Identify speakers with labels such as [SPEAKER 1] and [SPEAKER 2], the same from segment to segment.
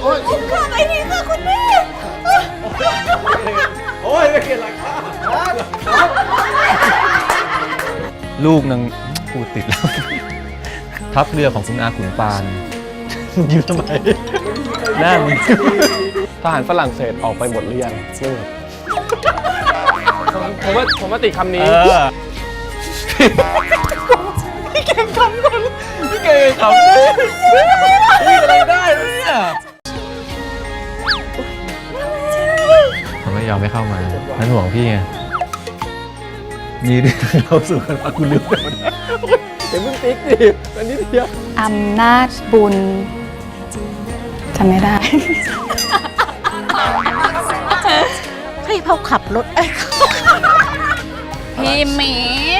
[SPEAKER 1] ข้าไปทีค่ะคุณแม่
[SPEAKER 2] โอ้ยไม่เกี่ยวหลักข้าลูกนางพูดติดแล้วทัพเรือของคุณอาขุนปานยืนทำไมหน้ามึงทหารฝรั่งเศสออกไปหมดหรือยัง
[SPEAKER 3] ผมว่าติดคำนี้
[SPEAKER 2] พี่เก่งคำก่อนพี่เก่งคำพี่อะไรได้เนี่ยเขาไม่ยอมไม่เข้ามานั่นห่วงพี่ไงนี่เราสู่กันมาคุณลืมไปหมดเดี๋ยวมึงติ๊กดิอันนี้เดียว
[SPEAKER 1] อำนาจบุญจำไม่ได้ให้เขาขับรถพี่หมี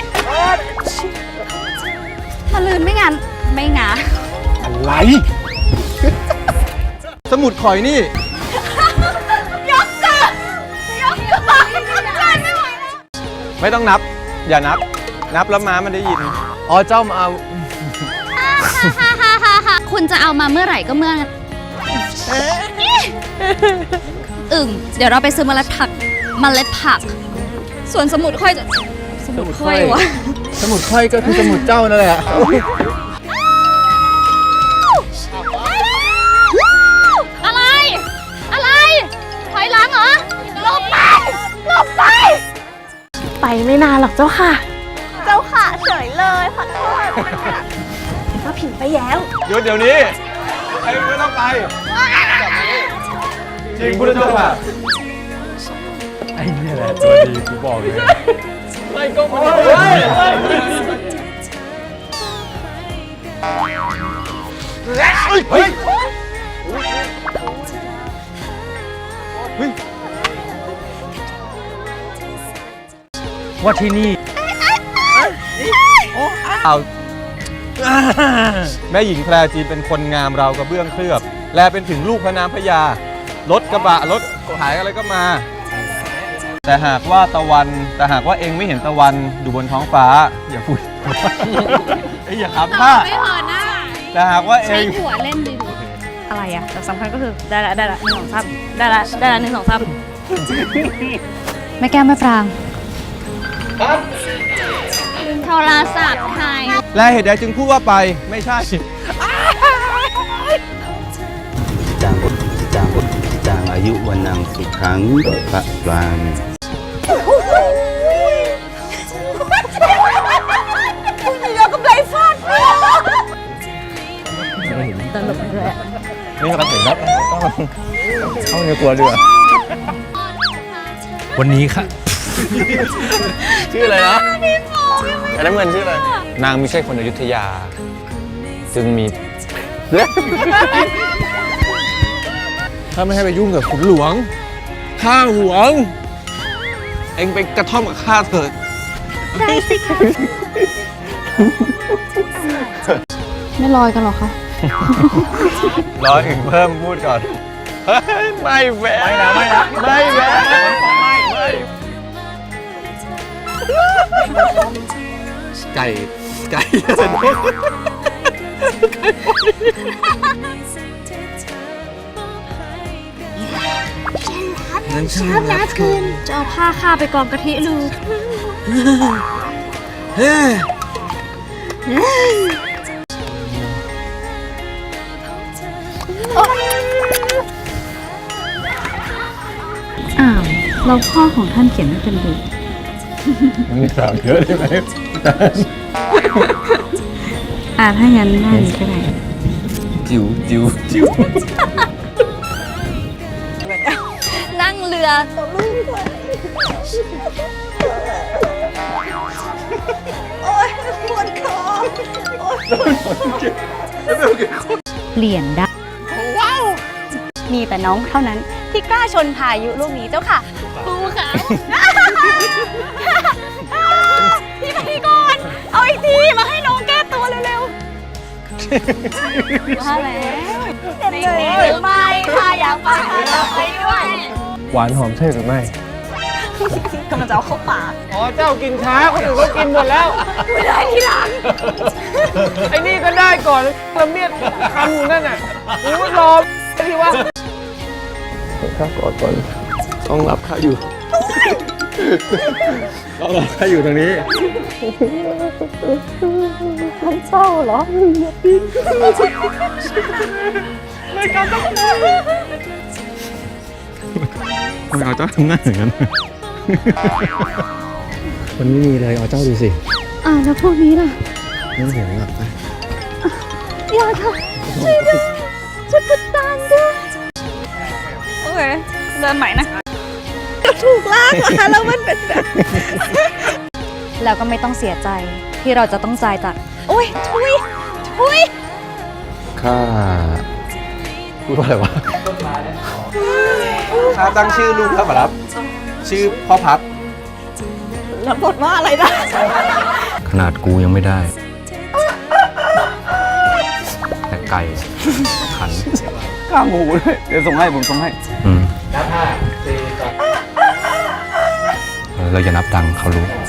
[SPEAKER 1] ถ้าลืนไม่งานไม่งา
[SPEAKER 2] อะไรสมุดข่อยนี่
[SPEAKER 1] ยกเกินไม่ไหวแล้ว
[SPEAKER 2] ไม่ต้องนับอย่านับแล้วม้ามันได้ยินอ๋อเจ้ามาเอา
[SPEAKER 1] คุณจะเอามาเมื่อไหร่ก็เมื่อนั้นเดี๋ยวเราไปซื้อเมล็ดผักส่วนสมุดค่อยจะสมุดค่อยวะ
[SPEAKER 2] สมุดค่อยก็คือสมุดเจ้านั่นแหละ
[SPEAKER 1] อะไรถอยหลังเหรอหลบไปไปไม่นานหรอกเจ้าค่ะเฉยเลยขอโทษก็ผิดไปแล้ว
[SPEAKER 2] หยุดเดี๋ยวนี้ไอ้ไม่ต้องไปจริงพุทธเจ้าค่ะไอ้นี่แหละตัวดีกูบอกเลยไม่ก็ไม่เฮ้ยว่าที่นี่เอาแม่หญิงแพรจีนเป็นคนงามเรากระเบื้องเคลือบแลเป็นถึงลูกพระนามพญารถกระบะรถหายอะไรก็มาแต่หากว่าเองไม่เห็นตะวันอยู่บนท้องฟ้าอย่าพูดอย่าขับผ้า
[SPEAKER 1] ไม่เหอะหน้า
[SPEAKER 2] แต่หากว่าเอง
[SPEAKER 1] ใช้หัวเล่นดีอะไรอะแต่สำคัญก็คือได้ละ1 2 3ได้ละ1 2 3ไม่แก้ไม่ปรางโทรศัพท์ใคร
[SPEAKER 2] และเหตุใดจึงพูดว่าไปไม่ใช่
[SPEAKER 4] จางอายุวันนังสุขังพระปราง
[SPEAKER 1] คุณเดียวกับไรฟาดตลกเลย
[SPEAKER 2] นี่เราเห็นแล้วเข้าในกลัวด้วยวันนี้ค่ะชื่ออะไรนะอันนั้นเงินชื่ออะไรนางไม่ใช่คนอยุธยาจึงมีถ้าไม่ให้ไปยุ่งกับขุนหลวงข้าหวงเอ็งไปกระท่อมกับข้าเถิด
[SPEAKER 1] ได้สิคะไม่ลอยกันหรอคะ
[SPEAKER 2] รออีกเพิ่มพูดก่อนไม่แหวะไม่แหวะไก่
[SPEAKER 1] ชอบนะคืนจะเอาผ้าข้าไปกองกะทิลูกเราพ่อของท่านเขียนไม่เป็นบุตร
[SPEAKER 2] มีสาวเยอะใช่ไหม
[SPEAKER 1] ถ้างั้นได้ก็ได้
[SPEAKER 2] จิ๋ว
[SPEAKER 1] นั่งเรือตัวลูกด้วยโอ๊ยปวดคอเปลี่ยนได้ว้าวมีแต่น้องเท่านั้นที่กล้าชนพายุลูกนี้เจ้าค่ะปูค่ะพี่ไปก่อนเอาอีกทีมาให้น้องแก้ตัวเร็วๆมาแล้วเด็ดเลยไม่ค่ะอยากไปด้วย
[SPEAKER 2] หวานหอมใช่หรือไม่
[SPEAKER 1] กำลังจะเอาเข้าปาก
[SPEAKER 3] อ๋อเจ้ากินช้าคนอื่นก็กินหมดแล้ว
[SPEAKER 1] ไม่ได้ทีหลัง
[SPEAKER 3] ไอ้นี่ก็ได้ก่อนละเมียดคำอยู่นั่นน่ะกูรอที่ว่า
[SPEAKER 2] ข้ากอดก่อนต้องรับข้าอยู่ ต้องรับข้าอยู่ตรงนี้
[SPEAKER 1] เศร้าเหรอ
[SPEAKER 2] ทำไมเอาเจ้าทำหน้าอย่างนั้น มันไม่มีเลยเอาเจ้าดูสิ
[SPEAKER 1] แล้วพวกนี้ล่ะ
[SPEAKER 2] ไม่เห็นหรอก
[SPEAKER 1] อย่าค่ะช่วยด้วยช่วยพุดตานด้วยโอเคเดินใหม่นะถูกลากมาแล้วมันเป็นแบบ แล้วก็ไม่ต้องเสียใจที่เราจะต้องจ่ายจากโอ้ยทุย
[SPEAKER 2] ข้าพูดว่าอะไรวะข้าตั้งชื่อลูกแล้วครับ ชื่อพ่อพัด
[SPEAKER 1] แล้วบทว่าอะไรนะ
[SPEAKER 4] ขนาดกูยังไม่ได้ แต่ไก่ขัน
[SPEAKER 3] ข้างหูด้วยเดี๋ยวส่งให้ผมส่งให้
[SPEAKER 4] เราอย่านับตังค์เขารู้